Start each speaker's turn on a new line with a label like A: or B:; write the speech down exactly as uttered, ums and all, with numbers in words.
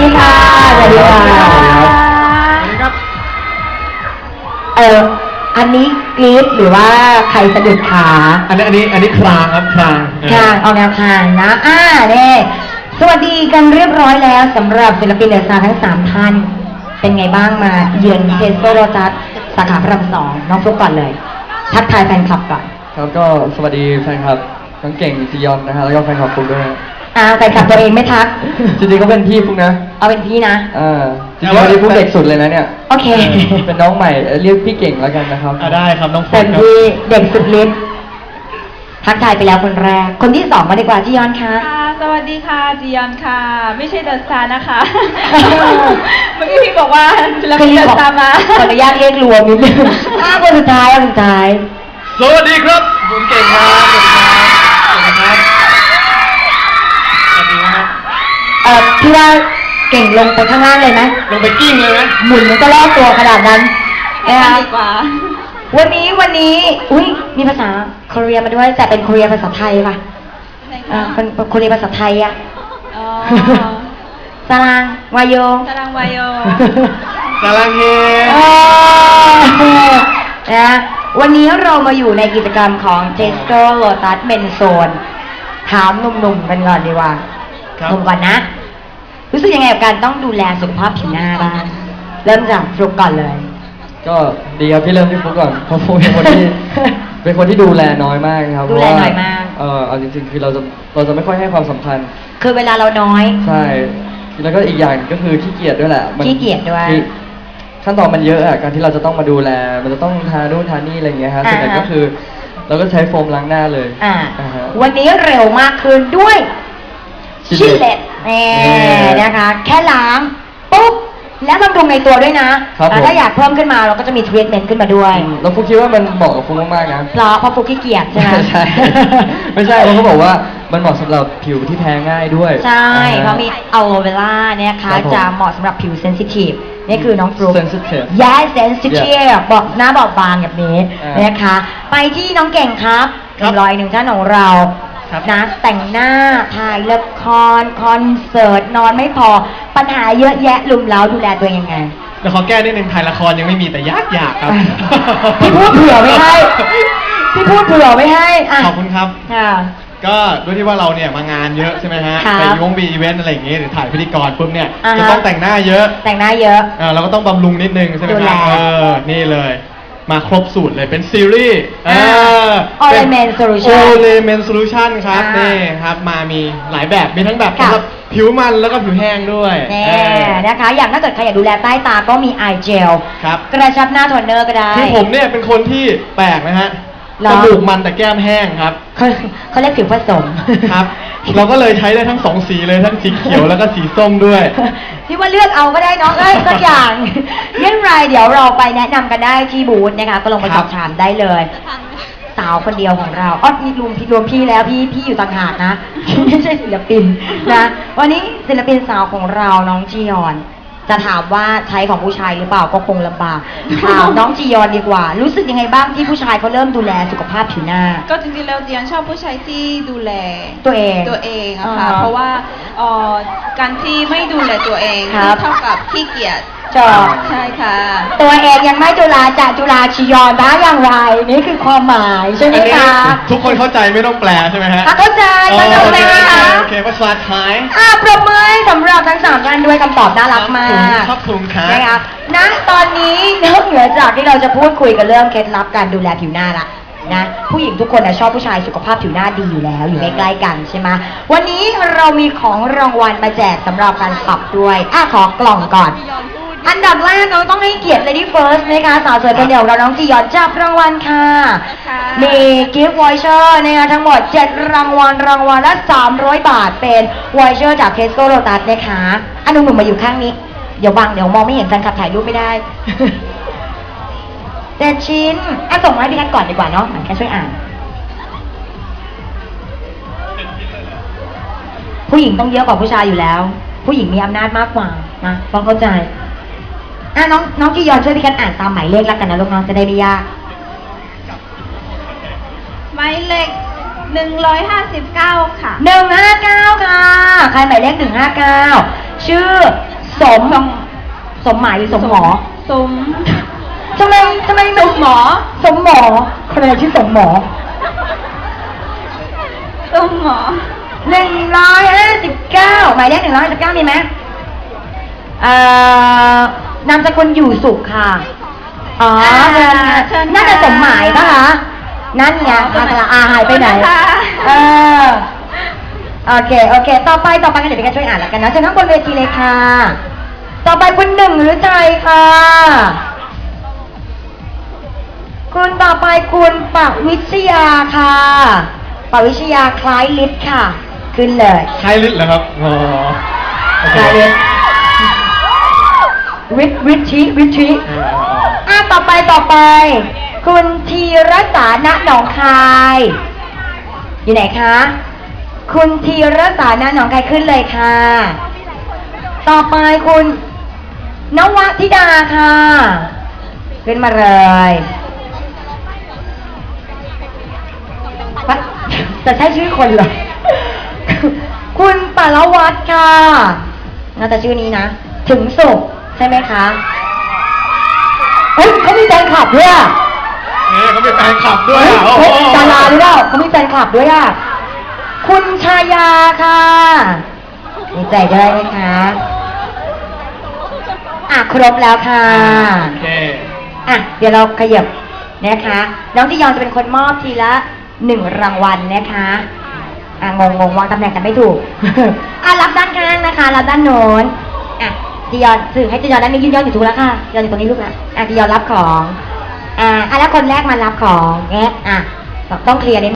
A: ดีค่ะสวัสดีค่ะ
B: สวัสดีครับ
A: เอออันนี้กรี๊ดหรือว่าใครสะดุดขา
B: อันนี้อันนี้อันนี้คลางครับคลาง
A: คางออกแนวคางนะอ่าเนี่ยสวัสดีกันเรียบร้อยแล้วสำหรับศิลปินเดอะสตาร์ทั้งสามท่านเป็นไงบ้างมาเยือนเทสโก้โรตัสสาขาพระรามสองน้องฟลุ๊กก่อนเลย ทักทายแฟนคลับก่อน
C: ครับก็สวัสดีแฟนคลับทั้งเก่งจียอนนะฮะแล้วก็แฟนคลับฟุกด้วยนะ
A: อ่าแฟนคลับตัวเองไม่ทัก
C: จริงๆก็เป็นพี่ฟุกนะ
A: เอาเป็นพี่นะ
C: อ่าจริงๆวันนี้ฟุกเด็กสุดเลยนะเนี่ย
A: โอเค
C: เป็นน้องใหม่เอ่อเรียกพี่เก่งแล้วกันนะครับ
B: อ่าได้ครับน้องฟุ๊
A: เต็
B: ก
A: ม
B: ครับ
A: ที่เด็กสุดฤทธิ์ทักทายไปแล้วคนแรก คนที่สองมาดีกว่าจียอนคะ
D: ค่ะสวัสดีค่ะจียอนค่ะ ไม่ใช่เดอะสตาร์นะคะ เมื่อกี้พี่บอกว่าเราเป็นเดอะสตาร์มา
A: ขออนุญาตเรียกรวมนิดนึงอ่าคนสุดท้ายคนสุดท้าย
B: สวัสดีครับผมเก่งครับสวัสดีครับสวัสดีครับสวัสดีครับ
A: เอ่อพี่ว่าเก่งลงไปข้างล่างเลยไหม
B: ลงไปกิ้งเลยไหม
A: หมุนมันก็รอบตัวขนาดนั้น
D: ไป
A: นะ
D: กั
A: คะ
D: นดีกว่า
A: วันนี้วันนี้อุ้ยมีภาษาเกาหลีมาด้วยแต่เป็นเกาหลีภาษาไทยป่ะ
D: ไหน
A: อ่า
D: คะ
A: เป็นเกาหลีภาษาไทยอะ
D: อ๋อ
A: สรางวายโย
D: ตารางวายโย
B: กำลังเฮ
A: เออนะวันนี้เรามาอยู่ในกิจกรรมของ Tesco Lotus Men Zone ถามหนุ่มๆกันก่อนดีกว่า
B: ครับ
A: หนุ่มก่อนนะ รู้สึกยังไงกับการต้องดูแลสุขภาพผิวหน้าบ้าง เริ่มจากฟลุกก่อนเลย
C: ก็ดีครับพี่เริ่มที่ฟุกก่อนเพราะฟุกเป็นคนที่ เป็นคนที่ดูแลน้อยมากครับ
A: ดูแล
C: เพระว่
A: น้อยมาก
C: เออเอาจริงๆคือเราจะเราจะไม่ค่อยให้ความสำคัญ
A: คือเวลาเราน้อย
C: ใช่แล้วก็อีกอย่างก็คือขี้เกียจด้วยแหละมัน
A: ขี้เกียจด้วย
C: คือขั้นตอนมันเยอะอะการที่เราจะต้องมาดูแล มันจะต้องทานู่นทานี่อะไรอย่างเงี้ยฮะส่วนใหญ่
A: อ่าฮะ
C: ก็คือ เราก็ใช้โฟมล้างหน้าเลย
A: อ่า
C: อ่าฮะ
A: วันนี้เร็วมากขึ้นด้วย
C: ชิ
A: ชิล
C: ล
A: เล
C: เล
A: ต
C: ต
A: แน่
C: นี่
A: นะคะ แค่ล้างปุ๊บแล้วบำรุงในตัวด้วยนะครับ แล้วถ้า
C: ผม
A: อยากเพิ่มขึ้นมาเราก็จะมีทรีทเมนต์ขึ้นมาด้วย
C: อืมแล้วฟุกคิดว่ามันเหมาะกับฟุกมากๆนะ
A: เพราะเพราะฟุกขี้เกียจใช่ไหม
C: ไม่ใช่ ไม่ใช่เขาก็บอกว่ามันเหมาะสำหรับผิวที่แพ้ง่ายด้วย
A: ใช่
C: อ่ฮ
A: เพราะมีอะโลเวล่าเนี่ยนะคะ
C: ครับผม
A: จะเหมาะสำหรับผิวเซนซิทีฟนี่คือน้องฟลุ๊ก
C: sensitive
A: ย้ายเซนซิทีฟบอกหน้าบอบบางแบบนี้
C: อ่าน
A: นะคะ ไปที่น้องเก่งครับหนึ่งร้อยหนึ่งท่านของเรา
B: ครับ
A: นะแต่งหน้าถ่ายละครคอนเสิร์ตนอนไม่พอปัญหาเยอะแยะลุมเล้าดูแลตัวเองยังไง
B: เดี๋ยวขอแก้นิดนึงถ่ายละครยังไม่มีแต่ยากอยากครับ
A: พี่พูดเผื่อไม่ให้พี่พูดเผื่อไม่ให้ะ
B: ขอบคุณครับ
A: ค่ะ
B: ก็ด้วยที่ว่าเราเนี่ยมางานเยอะใช่ไหมฮะ
A: ครับ
B: ไปวงบีอีเวนต์อะไรอย่างเงี้ยหรือถ่ายพิธีกรปุ๊บเนี่ย
A: อ่าฮะ
B: จะต้องแต่งหน้าเยอะ
A: แต่งหน้าเยอะ
B: เออเราก็ต้องบำรุงนิดนึงใช่ไหม
A: ดู
B: ค
A: แล
B: รับเออนี่เลยมาครบสูตรเลยเป็นซีรีส์เอ
A: อ่า
B: อ
A: Olemen Solution
B: โอเลเมนโซลูชันครับ
A: อ่า
B: นี่ครับมามีหลายแบบมีทั้งแบบ
A: ค่ะ
B: สำหรับผิวมันแล้วก็ผิวแห้งด้วย
A: แน่
B: เออ
A: นะคะ อย่างถ้าเกิดใครอยากดูแลใต้ตาก็มีไอเจล
B: ครับ
A: กระชับหน้าโทนเนอร์ก็ได้
B: คือผมเนี่ยเป็นคนที่แปลกนะฮะ
A: หรอ
B: จมูกมันแต่แก้มแห้งครับ
A: เขาเขาเรียกผิวผสม
B: ครับ เราก็เลยใช้ได้ทั้งสองสีเลยทั้งสีเขียวแล้วก็สีส้มด้วย
A: พี่ว่าเลือกเอาก็ได้เนาะเอ้ยสักอย่าง เรื่องไรเดี๋ยวเราไปแนะนำกันได้ที่บูธนะคะก็ลงไป
B: ค
A: ส
B: รั
A: อบบ ถามได้เลย สาวคนเดียวของเราอ๋อนี่รวมพี่รวมพี่แล้วพี่พี่อยู่ต่างหากนะ พี่ไม่ใช่ศิลปินนะวันนี้ศิลปินสาวของเราน้องจียอน จะถามว่าใช้ของผู้ชายหรือเปล่าก็คงลำบากถามน้องจียอนดีกว่า รู้สึกยังไงบ้างที่ผู้ชายเขาเริ่มดูแลสุขภาพผิวหน้า
D: ก็จริงๆแล้วจียอนชอบผู้ชายที่ดูแล
A: ตัวเอง
D: ตัวเองอะค่ะ
A: อ่าฮะ
D: เพราะว่าเอ่อการที่ไม่ดูแลตัวเอง
A: ครับ
D: เท่ากับขี้เกียจ
A: จอ
D: ใช่ค่ะ
A: ตัวเองยังไม่จุฬาจะจุฬาชียอนได้อย่างไร นี่คือความหมายใช่ไหม
B: อันนี้
A: คะ
B: ทุกคนเข้าใจไม่ต้องแปลใช่ไหมฮะ
A: อ่ะเข้าใจ
B: อ๋อ
A: เข้าใจ
B: โอ
A: ไหม
B: เค
A: คะ
B: โอเคภาษาไทย
A: อ่ะปรบมือให้สำหรับทั้งสามท่านด้วยคำตอบน่ารักมาก
B: ครับผมครับ
A: นะคะณตอนนี้นอกเหนือจากที่เราจะพูดคุยกันเรื่องเคล็ดลับการดูแลผิวหน้าละนะผู้หญิงทุกคนนะชอบผู้ชายสุขภาพผิวหน้าดีอยู่แล้วอยู่ใกล้ๆกันใช่ไหมวันนี้เรามีของรางวัลมาแจกสำหรับการปรับด้วยอ่ะขอกล่องก่อน อันดับแรกเราต้องให้เกียรติ Lady First นะคะสาวสวยคนเดียวเราน้องจียอนจับรางวัลค่ะ
D: ค่ะ
A: มีกิฟต์วอยเชอร์นะคะทั้งหมดเจ็ดรางวัลรางวัลละสามร้อยบาทเป็นวอยเชอร์จาก Tesco Lotus นะคะอันหนุ่มๆมาอยู่ข้างนี้ เดี๋ยวบังเดี๋ยวมองไม่เห็นแฟนคลับถ่ายรูปไม่ได้ เจ็ดชิ้นอ่ะส่งมาให้พี่แคทก่อนดีกว่าเนาะเหมือนแค่ช่วยอ่าน ผู้หญิงต้องเยอะกว่าผู้ชายอยู่แล้ว ผู้หญิงมีอำนาจมากกว่านะต้องเข้าใจอ่ะน้องน้องจียอนช่วยพี่แคทอ่านตามหมายเลขแล้วกันนะลูกน้องจะได้ไม่ยาก
D: หมายเลขหนึ่งร้อยห้าสิบเก้าค่ะ
A: หนึ่งห้าเก้าค่ะ ใครหมายเลขหนึ่งห้าเก้าชื่อสม สมหมายหรือสมหมอ
D: สม
A: ทำไมทำไม
D: สมหมอ
A: สมหมอคนอะไรชื่อสมหมอ
D: สมหมอ
A: หนึ่งร้อยห้าสิบเก้าหมายเลขหนึ่งร้อยห้าสิบเก้ามีไหมเอ่อนามสกุลอยู่สุขค่ะ อ๋อ
D: อ่า
A: เชิญค่ะ
D: เชิญค่ะ
A: น่าจะสมหมายปะคะ นั่นไง
D: อ๋อสม
A: อา
D: หมาย
A: สระอาหายไปไหน
D: ขอบคุณนะคะ
A: เออ โอเค โอเค ต่อไป ต่อไปกันเดี๋ยวพี่กันช่วยอ่านแล้วกันนะเชิญทั้งบนเวทีเลยค่ะ ต่อไปคุณหนึ่งหรือใจค่ะ คุณต่อไปคุณปวิชยาค่ะปวิชยาคล้ายลิศค่ะ ขึ้นเลย
B: ใครลิศเหรอครับอ๋อโอเค
A: คล้ายลิศวิทวิชิวิชิ
B: เออเออเออ
A: อ่ะต่อไปต่อไป คุณธีรสาณหนองคาย อยู่ไหนคะ คุณธีรสาณหนองคายขึ้นเลยค่ะ ต่อไปคุณนวธิดาค่ะ ขึ้นมาเลยปะจะใช่ชื่อคนเหรอ คุณปารวัตรค่ะน่าจะชื่อนี้นะ ถึงสุขใช่ไหมคะเฮ้ยเขามีแฟนคลับด้วยอะ
B: เอ๊ะเขาเป็นแฟนคลับด้วย
A: เฮ้ย
B: อ่ะโอ้โห
A: เฮ้ยดาราหรือเปล่าเขามีแฟนคลับด้วยอ่ะ คุณชายาค่ะมีใจได้ไหมคะ อ่ะครบแล้วค่ะ
B: โอเค
A: อ่ะเดี๋ยวเราขยับนะคะ น้องจียอนจะเป็นคนมอบทีละหนึ่งรางวัลนะคะ อ่ะงงงงวางตำแหน่งกันไม่ถูก อ่ะรับด้านข้างนะคะ รับด้านโน้น อ่ะจียอนสื่อให้จียอนได้ไม่ยืนยอนอยู่ถูกแล้วค่ะจียอนอยู่ตรงนี้ลูกนะอ่ะจียอนรับของ อ่าอ่ะแล้วคนแรกมารับของแงะอ่ะต้องเคลียร์นิด